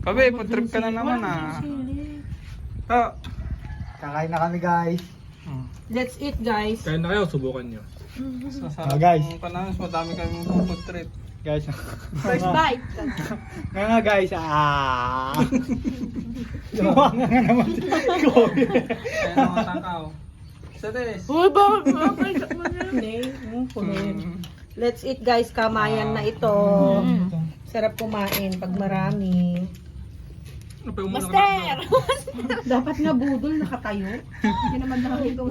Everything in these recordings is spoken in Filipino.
Kabe, food trip ka na naman ah. Oh. Kakain na kami guys. Let's eat, guys. Kain na kayo, subukan nyo. Sasarap guys. ng panahon, madami kami food trip. Guys. First bite. Nga guys. Lumawa nga naman si Kobe. Kaya naman takaw. Sa des. Uy, bakit mo na? Hindi. Let's eat, guys. Kamayan na ito. Sarap kumain pag marami. Ano pa yung muna Master! Dapat nga budol nakatayo. Hindi naman nakakita ko.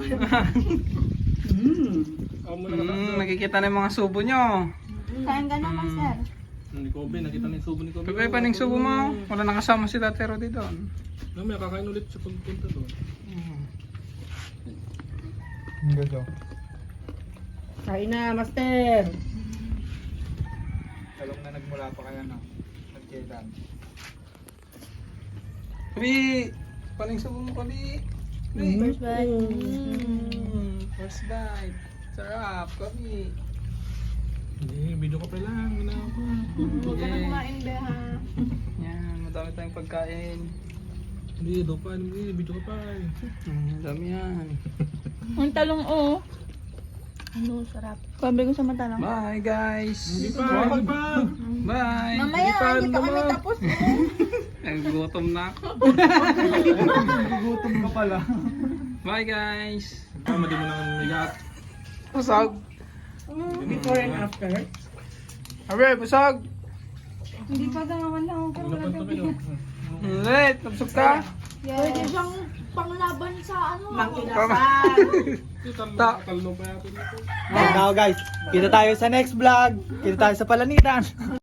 Nakikita na yung mga subo nyo. Kain ka na, Master. Ni Kobe, nakita na yung subo ni Kobe. Kabe, paning subo mo? Wala nakasama si Tate Rodi doon. May kakain ulit siya pagpunta doon. Gusto. Kain na, Master. Talong na nagmula pa kaya na. Nagkailan. Kabe, paning subo mo Kabe. First bite. First bite. Sarap, Kabe. Hindi, video ka pa lang. Huwag ka na kumain, Beha. Yan, madami tayong pagkain. Hindi, daw pa. Hindi, video ka pa. Madami yan. Ang talong, oh. Ano, sarap. Sabi ko sa matalong. Bye guys. Hindi pa, hindi pa. Bye. Mamaya, hindi pa kami tapos. Nagugutom na ako. Gutom ka pala. Bye guys. Tama, di mo nang migat. Busog. Before and after. Abe, busog. Hindi pa naman lang ako. Ano pa ito kayo? Ulit, nabusog ka? Pwede siyang panglaban sa ano. Manginasal. Talo pa yata dito. Now guys, kita tayo sa next vlog. Kita tayo sa Palanitan.